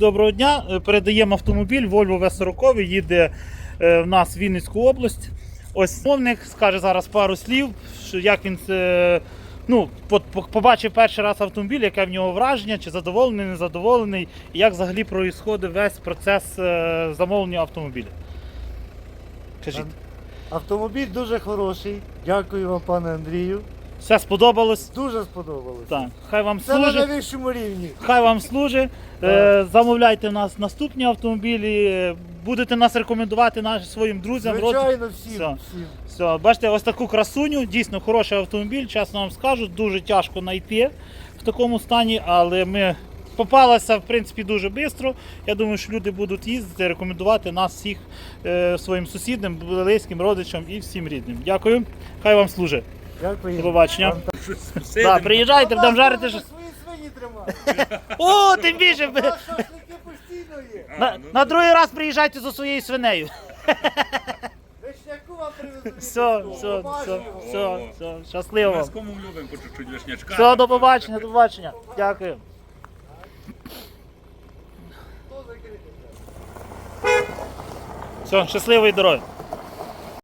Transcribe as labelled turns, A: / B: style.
A: доброго дня. Передаємо автомобіль Volvo V40, їде в нас в Вінницьку область. Ось мовник скаже зараз пару слів, що як він побачив перший раз автомобіль, яке в нього враження, чи задоволений, незадоволений, і як взагалі проїсходить весь процес замовлення автомобіля. Кажіть.
B: Автомобіль дуже хороший. Дякую вам, пане Андрію.
A: Все сподобалось?
B: Дуже сподобалось.
A: Так. Хай вам
B: Це на
A: служить.
B: найвищому рівні.
A: Хай вам служить. Замовляйте в нас наступні автомобілі. Будете нас рекомендувати своїм друзям.
B: Звичайно, всім.
A: Все. Все. Бачите, ось таку красуню. Дійсно хороший автомобіль. Чесно вам скажу, дуже тяжко знайти в такому стані, але ми попалися, в принципі, дуже швидко. Я думаю, що люди будуть їздити, рекомендувати нас всіх своїм сусідам, близьким, родичам і всім рідним. Дякую. Хай вам служить.
B: Дякую.
A: До побачення. Приїжджайте, будемо жарити.
B: Свої свині тримати.
A: О, тим більше.
B: Шашлики постійно є.
A: На другий раз приїжджайте за своєю свинею.
B: Вишняку вам привезли.
A: Все, щасливо.
C: Ми з кому любимо по чуть-чуть вишнячка.
A: Все, до побачення. Дякую. Все, щасливої дороги.